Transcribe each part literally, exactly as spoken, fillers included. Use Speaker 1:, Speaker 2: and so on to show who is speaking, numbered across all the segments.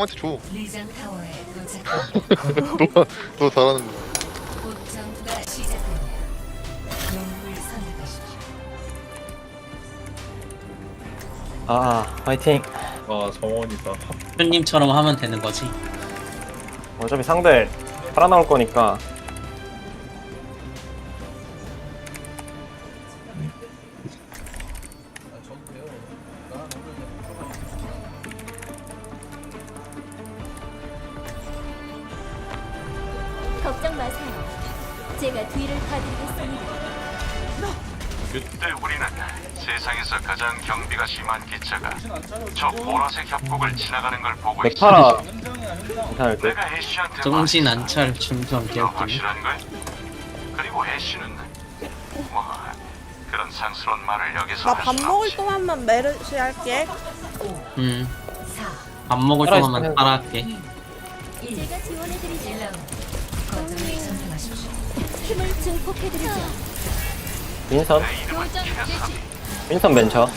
Speaker 1: 형한테 줘.
Speaker 2: 리장 타워에 도착합니다.
Speaker 1: 너가 너 잘하는 거.
Speaker 2: 곧 전투가 시작됩니다. 영웅을 선택하십시오.
Speaker 3: 아 화이팅.
Speaker 4: 아 정원이다.
Speaker 5: 님처럼 하면 되는 거지.
Speaker 3: 어차피 상대 살아나올 거니까.
Speaker 6: 걱정 마세요. 제가 뒤를 봐드리겠습니다.
Speaker 7: 그때 우리는 세상에서 가장 경비가 심한 기차가 저 보라색 협곡을 지나가는 걸 보고 있어.
Speaker 3: 맥파라 괜찮을 듯.
Speaker 7: 내가 애쉬한테
Speaker 5: 정신 안찰 중성
Speaker 7: 너
Speaker 5: 개웃기네.
Speaker 7: 확실한 거야? 그리고 애쉬는 뭐 그런 상스러운 말을 여기서
Speaker 8: 나
Speaker 7: 할
Speaker 8: 밥
Speaker 7: 순
Speaker 8: 먹을
Speaker 7: 없지.
Speaker 8: 동안만 메르시 할게.
Speaker 5: 음.
Speaker 2: 사,
Speaker 5: 밥 먹을
Speaker 3: 따라
Speaker 5: 동안만
Speaker 3: 있으면-
Speaker 5: 따라할게.
Speaker 2: 일.
Speaker 6: 제가 지원해드리죠.
Speaker 2: 일 라운드. 거점을 선택하십시오.
Speaker 6: 힘을 증폭해드리죠.
Speaker 3: 윈선. 윈선 벤처.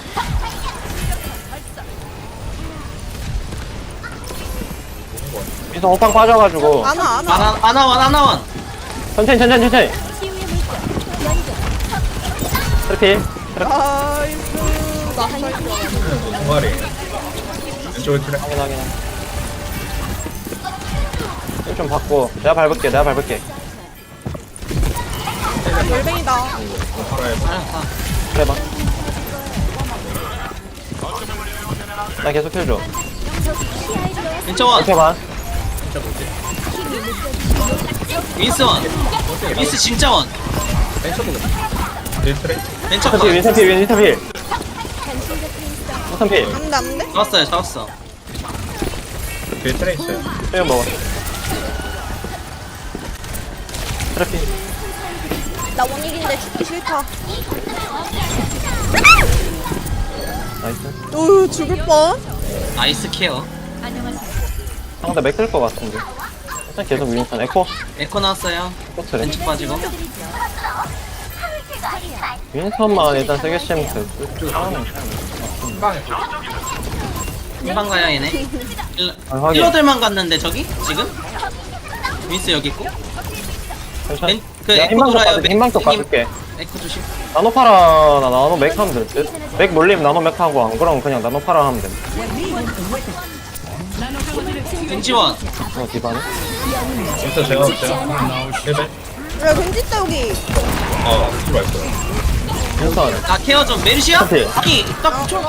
Speaker 3: 윈선 호빵 빠져가지고
Speaker 8: 안아 안아.
Speaker 5: 아나 아나원 아나원.
Speaker 3: 천천히 천천히 천천히.
Speaker 6: 치유의 물결. 연결.
Speaker 3: 트래필.
Speaker 8: 나이스. 나 살려.
Speaker 4: 동아리. 왼쪽에 트랙.
Speaker 3: 확인 확인. 좀 받고 내가 밟을게 내가 밟을게.
Speaker 8: 열뱅이다.
Speaker 4: 팔아야
Speaker 5: 알았다.
Speaker 3: 그래 봐. 나 계속 해줘.
Speaker 5: 왼쪽원.
Speaker 3: 이렇게 봐.
Speaker 5: 윈스원. 윈스 진짜원.
Speaker 4: 내 트랙.
Speaker 5: 왼쪽
Speaker 3: 윈선 필
Speaker 5: 원.
Speaker 3: 윈선 필 윈선 필. 윈선 필.
Speaker 8: 안돼 안돼.
Speaker 5: 잡았어요 잡았어.
Speaker 4: 뒤에 트랙 있어요.
Speaker 3: 이거 먹어. 트래필.
Speaker 8: 나 원익인데 죽기 싫다.
Speaker 3: 나이스.
Speaker 8: 으 죽을 뻔.
Speaker 5: 아이스 케어.
Speaker 3: 상대 맥쓸 것 같은데. 일단 계속 윈선 에코.
Speaker 5: 에코 나왔어요.
Speaker 3: 에코 트래.
Speaker 5: 왼쪽 빠지고.
Speaker 3: 윈선만 일단 세게 치면 돼. 상황은
Speaker 5: 금방 가야 얘네. 힐러-
Speaker 3: 아, 확인.
Speaker 5: 힐러들만 갔는데 저기 지금? 윈스 여기 있고.
Speaker 3: 괜찮아.
Speaker 5: 왼- 그
Speaker 3: 내가
Speaker 5: 에코
Speaker 3: 힘방 쪽
Speaker 5: 돌아요.
Speaker 3: 가줄게. 힘방 쪽
Speaker 5: 맥-
Speaker 3: 가줄게.
Speaker 5: 에코 조심.
Speaker 3: 나노 파라 나 나노 맥 하면 될 듯. 맥 몰리면 나노 맥 하고 안 그러면 그냥 나노 파라 하면 돼.
Speaker 5: 겐지원.
Speaker 3: 어 디바네.
Speaker 4: 진짜 제가 제가 힐벤.
Speaker 8: 야 겐지 있다 여기.
Speaker 4: 아 들어왔어.
Speaker 3: 윈선.
Speaker 5: 나 케어 좀 메르시야?
Speaker 3: 오케이.
Speaker 5: 하기 딱 쳐.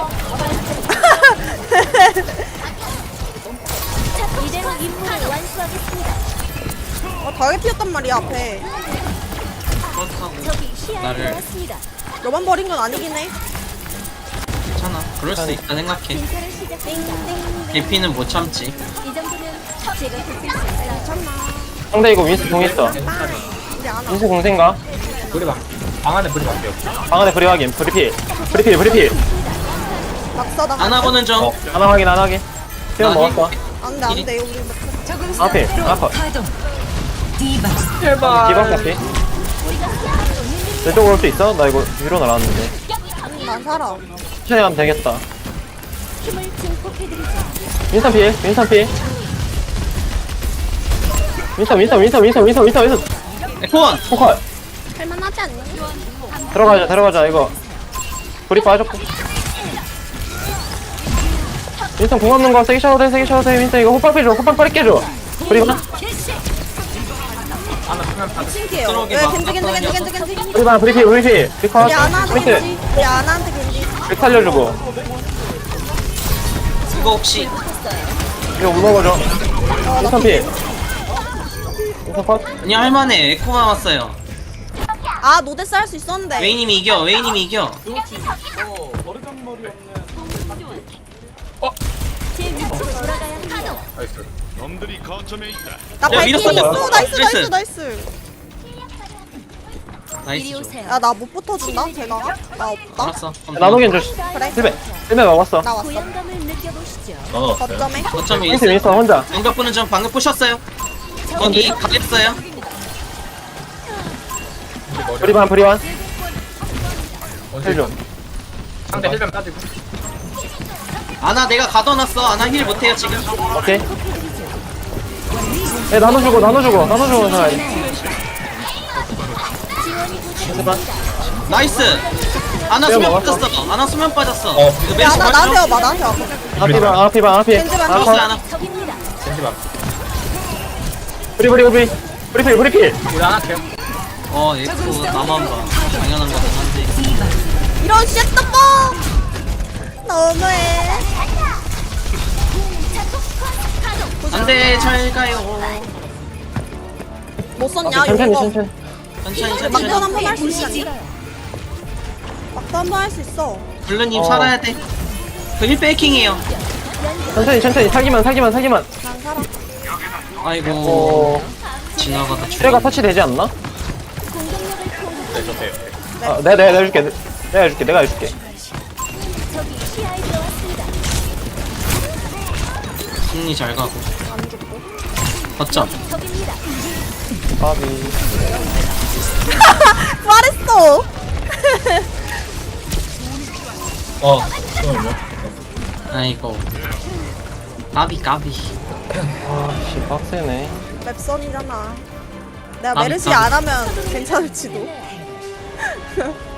Speaker 6: 이대로 임무를 완수하겠습니다.
Speaker 8: 어 다게 피었단 말이야 앞에.
Speaker 5: 그렇다고
Speaker 6: 저기 시야에
Speaker 5: 나를-
Speaker 6: 들어왔습니다.
Speaker 8: 너만 버린 건 아니긴 해.
Speaker 5: 괜찮아. 그럴 수 있다 생각해.
Speaker 6: 진찰을 시작합니다.
Speaker 5: 개피는 못 참지.
Speaker 6: 이 정도면 제가 돕을 수 있어요.
Speaker 8: 참나.
Speaker 3: 상대 이거 윈스 공 있어.
Speaker 8: 이제 안아.
Speaker 3: 윈스 공생가?
Speaker 4: 불이 막. 방 안에 불이 밖에 없어.
Speaker 3: 방 안에 브리 확인. 브리필. 브리필 브리필.
Speaker 8: 막사 나.
Speaker 5: 안 하고는 좀.
Speaker 4: 어.
Speaker 3: 하나 확인 하나 확인. 수영
Speaker 5: 나
Speaker 3: 먹었어.
Speaker 8: 안돼 안돼 우리 막.
Speaker 2: 적응
Speaker 3: 앞에,
Speaker 2: 상태로
Speaker 3: 앞에.
Speaker 2: 가동. 디바.
Speaker 3: 디박 카피. 이쪽으로 올 수 있어? 나 이거 위로 날아왔는데.
Speaker 8: 난 살아.
Speaker 3: 천천히 가면 되겠다.
Speaker 6: 힘을 증폭해드리죠.
Speaker 3: 윈선 필. 윈선 필. 윈선 윈선 윈선 윈선 윈선 윈선 윈선.
Speaker 5: 에코원.
Speaker 3: 포컬.
Speaker 8: 할만하지 않니?
Speaker 3: 들어가자 들어가자 이거. 불이 빠졌고. 윈선 공 없는 거 세게 셔도 돼 세게 셔도 돼. 윈선 이거 호빵 빼줘 호빵 빠르게 줘. 불이 봐.
Speaker 8: 신기해요.
Speaker 5: 들어오게
Speaker 8: 왜
Speaker 5: 막
Speaker 8: 겐지 겐지 겐지 겐지 겐지.
Speaker 3: 불이 봐 브리필 브리필. 브리컷.
Speaker 8: 우리 아나한테
Speaker 3: 윈스.
Speaker 8: 겐지. 우리 아나한테 겐지.
Speaker 3: 브리 살려주고.
Speaker 5: 이거 혹시
Speaker 3: 이거 못 먹어줘. 윈선 필. 윈선 컷.
Speaker 5: 아니 할만해. 에코만 왔어요.
Speaker 8: 아 노데스 할 수 있었는데.
Speaker 5: 웨이님이 이겨. 웨이님이 이겨.
Speaker 6: 제 위치로 돌아가야 합니다.
Speaker 4: 나이스.
Speaker 8: 나
Speaker 5: 야,
Speaker 8: 발키리
Speaker 5: 밀었어.
Speaker 8: 있어. 나이스
Speaker 5: 나이스.
Speaker 8: 나이스 나이스.
Speaker 5: 나이스.
Speaker 6: 이리
Speaker 5: 줘.
Speaker 6: 오세요.
Speaker 8: 야 나 못 붙어준다 제가. 나 없다.
Speaker 5: 알았어.
Speaker 3: 나노겐 줄.
Speaker 8: 그래.
Speaker 3: 실베. 실베 먹었어.
Speaker 8: 나 왔어.
Speaker 6: 고향감을 느껴보시죠.
Speaker 4: 나눠왔어요.
Speaker 8: 거점에.
Speaker 5: 거점이
Speaker 3: 윈스
Speaker 5: 있어.
Speaker 3: 윈스 혼자.
Speaker 5: 연각 보는 좀 방금 부셨어요. 거기 가겠어요.
Speaker 3: 브리반 브리반.
Speaker 4: 언제
Speaker 3: 헬 좀.
Speaker 4: 상대 힐벤 빠지고.
Speaker 5: 아나 내가 가둬놨어. 아나 힐 못해요 지금.
Speaker 3: 오케이. 에 나눠주고 나눠주고 나눠주고 자
Speaker 5: 나이스. 아나
Speaker 3: 내가
Speaker 5: 수면
Speaker 3: 먹었어.
Speaker 5: 빠졌어. 아나 수면 빠졌어.
Speaker 4: 어.
Speaker 5: 이거
Speaker 8: 야
Speaker 5: 메리시
Speaker 8: 나 나한테
Speaker 5: 빠져.
Speaker 8: 와봐 나한테 와봐.
Speaker 3: 아피방 아피방 아피
Speaker 8: 겐지만
Speaker 5: 잡았어
Speaker 3: 아파
Speaker 5: 아나.
Speaker 6: 적입니다.
Speaker 4: 겐지 방.
Speaker 3: 브리 브리 브리 브리필 브리필
Speaker 4: 우리 안 할게요.
Speaker 5: 어 얘도 나만 봐. 당연한 거긴 한데.
Speaker 8: 이런 쉣떡 너무해.
Speaker 5: 안돼 잘 가요.
Speaker 8: 못 썼냐
Speaker 3: 천천히
Speaker 8: 이거?
Speaker 3: 천천히
Speaker 5: 천천히
Speaker 8: 막판
Speaker 5: 천천히.
Speaker 8: 한번 할 수 있지. 막판 한번 할 수 있어.
Speaker 5: 블루님
Speaker 3: 어.
Speaker 5: 살아야 돼. 그일 베이킹이에요.
Speaker 3: 천천히 천천히 살기만 살기만 살기만
Speaker 8: 난 살아.
Speaker 5: 아이고
Speaker 3: 어
Speaker 5: 지나가다
Speaker 3: 트레가 터치되지 않나?
Speaker 6: 공격력을 통
Speaker 4: 네, 좋대요.
Speaker 3: 아, 내가 내가 내가 해줄게 내가 해줄게 내가 해줄게
Speaker 6: 적이 시야에 들어왔습니다.
Speaker 5: 승리 잘 가고.
Speaker 8: 안 죽고.
Speaker 5: 거점.
Speaker 6: 적입니다.
Speaker 3: 까비
Speaker 8: 말했어.
Speaker 4: 어. 잠깐만요.
Speaker 5: 아이고. 까비 까비.
Speaker 3: 아씨 빡세네
Speaker 8: 맵선이잖아. 내가
Speaker 5: 아,
Speaker 8: 메르시
Speaker 5: 아.
Speaker 8: 안 하면 괜찮을지도.